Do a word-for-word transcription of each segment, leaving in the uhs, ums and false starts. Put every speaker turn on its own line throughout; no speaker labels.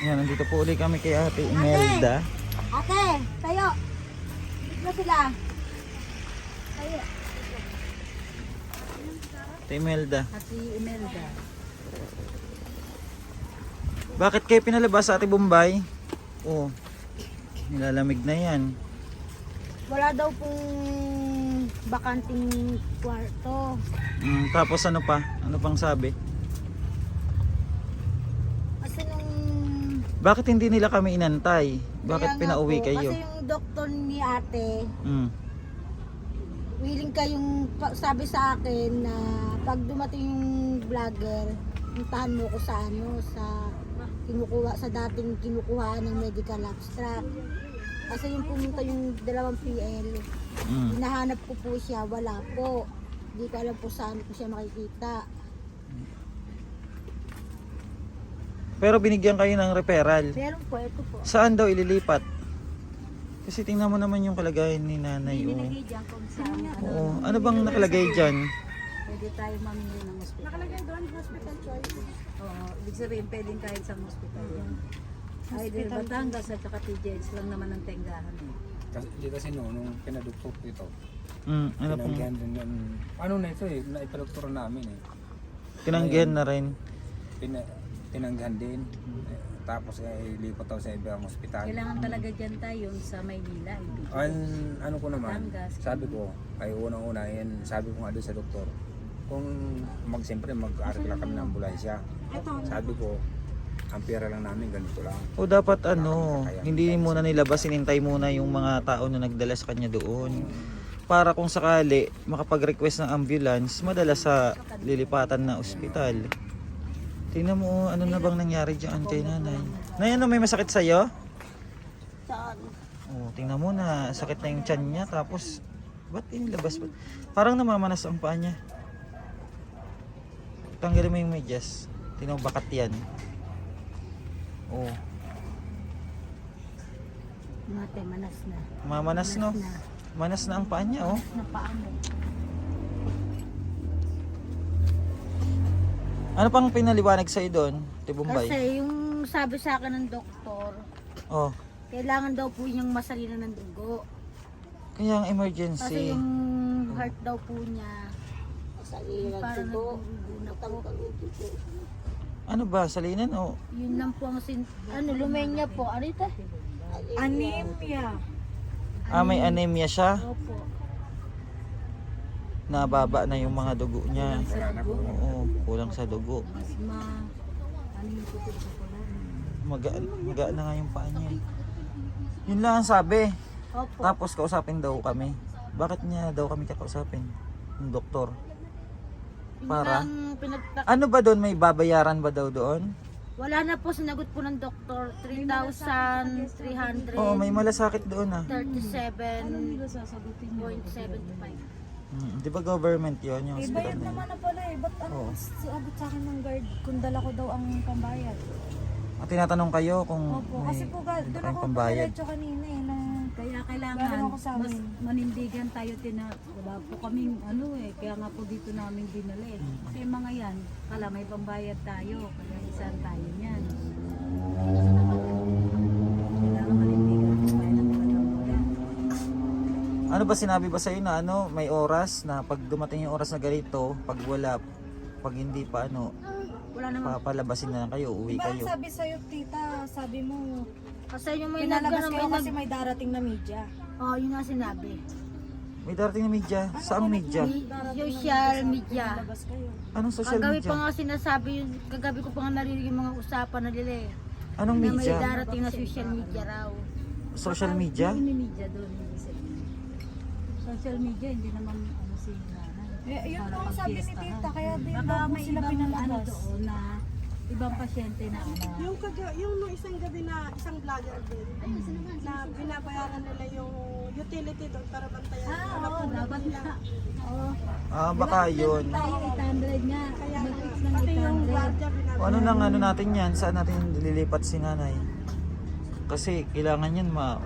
Yan, nandito po ulit kami kay Ate Imelda.
Ate, tayo. Dito sila. Tayo.
Ate Imelda.
Ate Imelda.
Bakit kayo pinalabas sa Ate Bombay? Oh, nilalamig na yan.
Wala daw pong bakanting kwarto.
Mm, tapos ano pa? Ano pang sabi?
Kasi nung...
Bakit hindi nila kami inantay? Bakit
Kaya nga
pinauwi
po,
kayo?
Kasi yung doktor ni ate,
Mm.
willing kayong pa- sabi sa akin na pag dumating yung vlogger, puntahan mo ko sa ano, sa kinukuha, sa dating kinukuha ng medical abstract. Kasi yung pumunta yung dalawang P L,
Mm.
hinahanap ko po siya, wala po. Hindi ko alam po saan ko siya makikita.
Pero binigyan kayo ng referral.
Meron po, ito po.
Saan daw ililipat? Kasi tingnan mo naman yung kalagayan ni nanay.
Hindi
Oh.
nilagay dyan kung saan. Ano,
Oo. Ano bang nakalagay dyan?
Pwede tayo mamili ng hospital.
nakalagay doon, hospital choice.
Oo, ibig sabihin pwedeng kahit sa hospital yan. Either Batangas at saka T J H lang naman ang tenggahan eh.
Kasi, di kasi no, nung pinaduktok ko ito,
Mm, ano pong
tinanggihan din yan. Ano na ito eh, naipalukturan namin eh.
tinanggihan na rin?
Pina, tinanggihan din. Eh, tapos eh, ilipat daw sa ibang ospital.
Kailangan talaga dyan tayo sa Maynila. ibig.
Ang ano ko naman,
Batangas.
sabi ko, ay unang-una yan, sabi ko nga doon sa doktor, kung mag, siyempre mag-aral lang kami ng ambulansya. Sabi ko, ang pera lang namin ganito lang.
O dapat ano, hindi muna nilabas, sinintay muna yung mga tao na nagdala sa kanya doon. Para kung sakali makapag-request ng ambulance, madala sa lilipatan na ospital. Tingnan mo, ano na bang nangyari dyan kay nanay? Nay, ano, may masakit sa'yo?
Saan?
Oh, tingnan mo na, sakit na yung tiyan niya, tapos, ba't inilabas ba? Parang namamanas ang paa niya. Tanggalin mo yung medyas. Tingnan mo, bakat yan. Oh,
Mate, manas na.
mamanas no? Manas na ang paa niya, oh.
Napaano?
Ano pang pinaliwanag sa'yo doon, Tibumbay?
Kasi yung sabi sa akin ng doktor,
Oh,
kailangan daw po niyang masalinan ng dugo.
kaya ang
Kasi
emergency.
yung heart daw po niya, parang nagdudugo na po.
Ano ba, salinan o?
Yun lang po ang sin... Ano, lumenya po. Ano ito? Anemia.
Ah, may anemia siya.
Opo.
Nababa na yung mga dugo niya.
Sa dugo,
Oo, kulang sa dugo.
asma, ano yung puti sa pula.
Magaan, magaan na nga yung paa niya. Yun lang ang sabi.
Opo.
Tapos kausapin daw kami. Bakit niya daw kami kakausapin? Yung doktor.
Yun
para?
lang pinagta-
Ano ba doon? May babayaran ba daw doon?
Wala na po, sinagot po ng doktor. three thousand three hundred
Oo, may malasakit doon ah.
thirty-seven
Ano sasagutin niyo?
point seven five.
Hmm, di ba government yun? Yung
Eh,
hospital
bayad
na yun?
naman na pala eh. Ba't ano,
Oo.
siabot sa akin ng guard kung dala ko daw ang pambayad?
At tinatanong kayo kung
Opo,
may
kasi po ga-
dito
doon
kayong
ako
pambayad.
padiretso kanina eh. Nung,
Kaya kailangan
Meron ako sa
mas
amin.
manindigan tayo tina wala po kaming ano eh kaya nga po dito namin dinali. Kasi yung mga yan, kala may pambayad tayo, kaya isang tayo niyan. Kailangan manindigan tayo ng pagkakamaya.
Ano ba sinabi ba sa'yo na ano, may oras na pag dumating yung oras na ganito, pag wala, pag hindi pa ano,
Wala naman.
papalabasin na lang kayo, uwi
diba
kayo.
ang sabi sa'yo tita, sabi mo,
Kasi yung may
pinalabas
nagano,
kayo
may
kasi
nag...
may darating na media.
Oh, yun nga sinabi.
May darating na media. Saang media?
Social media.
Pinalabas kayo.
Anong social
Kagabi
media?
pa nga sinasabi, yun, kagabi ko pa nga narinig yung mga usapan na nila eh.
Anong
Na may
media?
darating na social media raw.
Social media?
Hindi media doon, hindi sabihin. Social media, hindi naman ano si nanay.
Eh, yun
Para
po ang sabi ni
pagpiestahan.
tita, kaya di
Baka
ba po
may
sila
ibang ano
pinalabas.
doon na ibang pasyente na ano.
Yung, kaga, yung nung isang gabi na isang vlogger din, na binabayaran nila yung utility doon para bantayan.
Ah,
para
oo,
po
dapat
nila.
na. Oo.
Ah, baka yun.
Tayo eight hundred nga.
Kaya
Mag-fix ng
pati
eight
yung
hundred.
guardia
O
binabayaran.
ano nang ano natin yan? Saan natin lilipat si nanay? Kasi kailangan yan ma...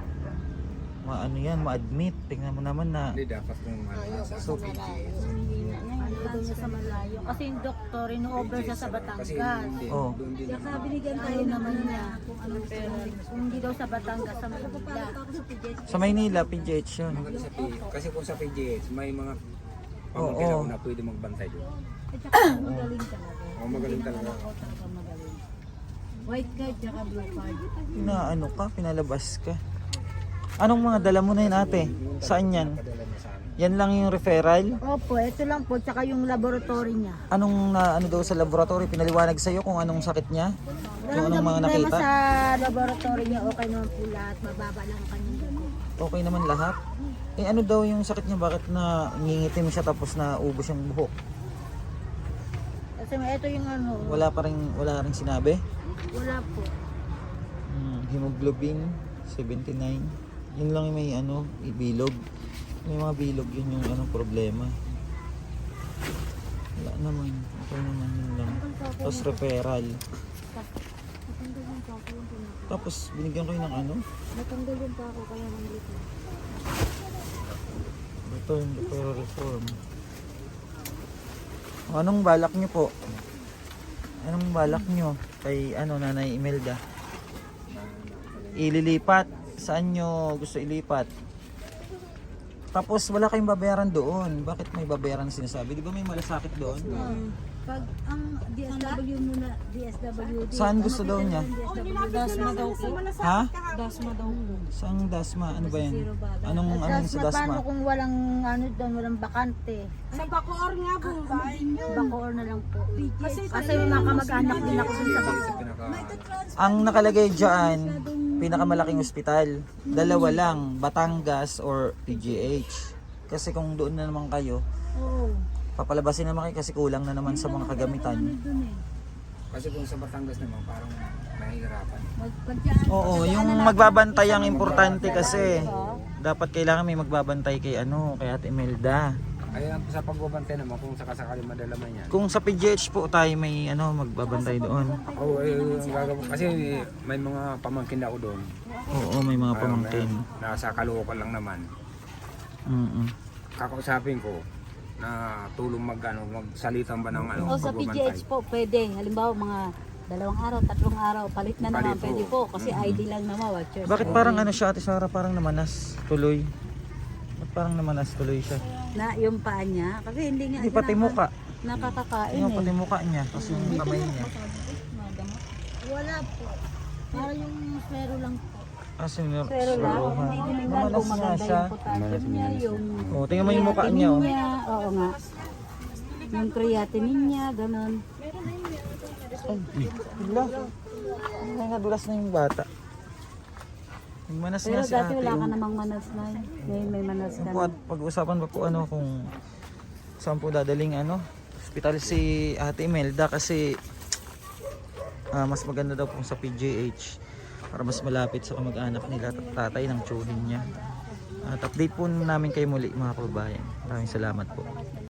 ma ano yan, ma-admit. Tingnan mo naman na...
Hindi dapat kung ano, sa
So,
P G.
daw niya sa malayo. Kasi yung doktor, ino-over siya sa
Kasi
Batangas.
hindi,
Oh.
doon din.
Saka binigyan tayo
Ayaw
ng
naman
ano
niya.
na kung anong pera.
Kung hindi daw sa Batangas, sa Manila.
Sa Maynila, P G H yun.
Magaling sa P, kasi kung sa P G H, may mga
Oo.
pamangkin ako na pwede magbantay doon.
At saka magaling talaga.
Oo, magaling talaga.
Ako talaga magaling. White card tsaka blue card.
Pinaano ka, pinalabas ka. Anong mga dala mo na yun ate? Saan yan?
Padala niya sa amin.
Yan lang yung referral?
Opo, ito lang po, tsaka yung laboratory niya.
Anong na ano daw sa laboratory? Pinaliwanag sa'yo kung anong sakit niya? Kung anong mga
problema
nakita?
sa laboratory niya, okay naman po lahat. Mababa lang ang kanyang dugo.
Okay naman lahat? Eh ano daw yung sakit niya? Bakit na ngingitim siya tapos na ubos yung buhok?
Kasi ito yung ano,
Wala pa rin, wala rin sinabi?
wala po.
Hmm, hemoglobin seventy-nine. Yun lang yung may ano, bilog. May mga bilog yun yung ano problema. Wala naman. Okay naman yun lang. Tapos referral. Tapos binigyan ko yun ng ano?
Natanggal din pa ako kaya nandito.
Return referral reform. Anong balak nyo po? Anong balak nyo kay ano Nanay Imelda? Ililipat? Saan nyo gusto ilipat? Tapos wala kayong babayaran doon. Bakit may babayaran na sinasabi? Di ba may malasakit doon?
Pag ang D S W muna, D S W D.
Saan gusto daw niya?
Dasma daw po.
Ha?
Dasma daw po.
Saang dasma? Ano ba yan?
Zero bala.
Anong ano
Tapos
sa
na
dasma?
paano kung walang ano doon, walang bakante?
Sa Bacoor nga, Bombay.
Bacoor na lang po.
Kasi
Kasi may mga kamag-anak din ako dun sa Bacoor.
Pinaka,
Ang nakalagay dyan, pinakamalaking ospital. Dalawa lang, Batangas or P G H. Kasi kung doon na naman kayo,
Oo.
papalabasin naman kayo kasi kulang na naman sa mga kagamitan.
Doon eh.
kasi kung sa Batangas naman, parang mahihirapan.
Mag pagdyan.
Oo, yung magbabantay ang importante kasi. Dapat kailangan may magbabantay kay ano, kay Ate Imelda.
Kaya sa pagbabantay naman, kung sakasakali madala man yan.
Kung sa P G H po tayo may ano, magbabantay doon.
Oo, eh, yung gagawin. Kasi may mga pamangkin ako doon.
Oo, may mga
Ayaw
pamangkin.
na- Nasa Caloocan lang naman.
Mm.
Kakausapin ko na tulong mag, ano, magsalitan ba ng ano,
O sa P G H po, pwede. Halimbawa mga dalawang araw, tatlong araw, palit na naman,
Palit po.
pwede po. Kasi I D lang naman, watchers.
Bakit parang ano siya, Ate Sarah, parang namanas tuloy? Ba't parang namanas tuloy siya?
Na yung paa niya, kasi hindi nga
Hindi pati
naka-
muka.
nakakakain
Yung
eh.
pati mukha niya, tapos yung kamay niya.
Wala po. Para yung swero lang po.
Ah, sinur-
Pero lang,
suruhan.
hindi tingnan
Namanas
kung
nga
maganda
siya.
yung potassium niya, yung
Oh, tingnan mo yung mukha niya. Oh.
niya, oo nga. Yung creatinine niya, ganun.
Ay, hala. Ay, nadulas na yung bata. Manas
Pero
nga si
dati
ate.
wala ka
oh.
namang manas na. Ngayon may manas ka
Yung
na.
po, at pag-usapan pa po ano kung saan po dadaling ano, hospital si Ate Imelda kasi ah, mas maganda daw po sa P G H para mas malapit sa kamag-anak nila at tatay ng tsuhin niya. At update po namin kayo muli mga kababayan. Maraming salamat po.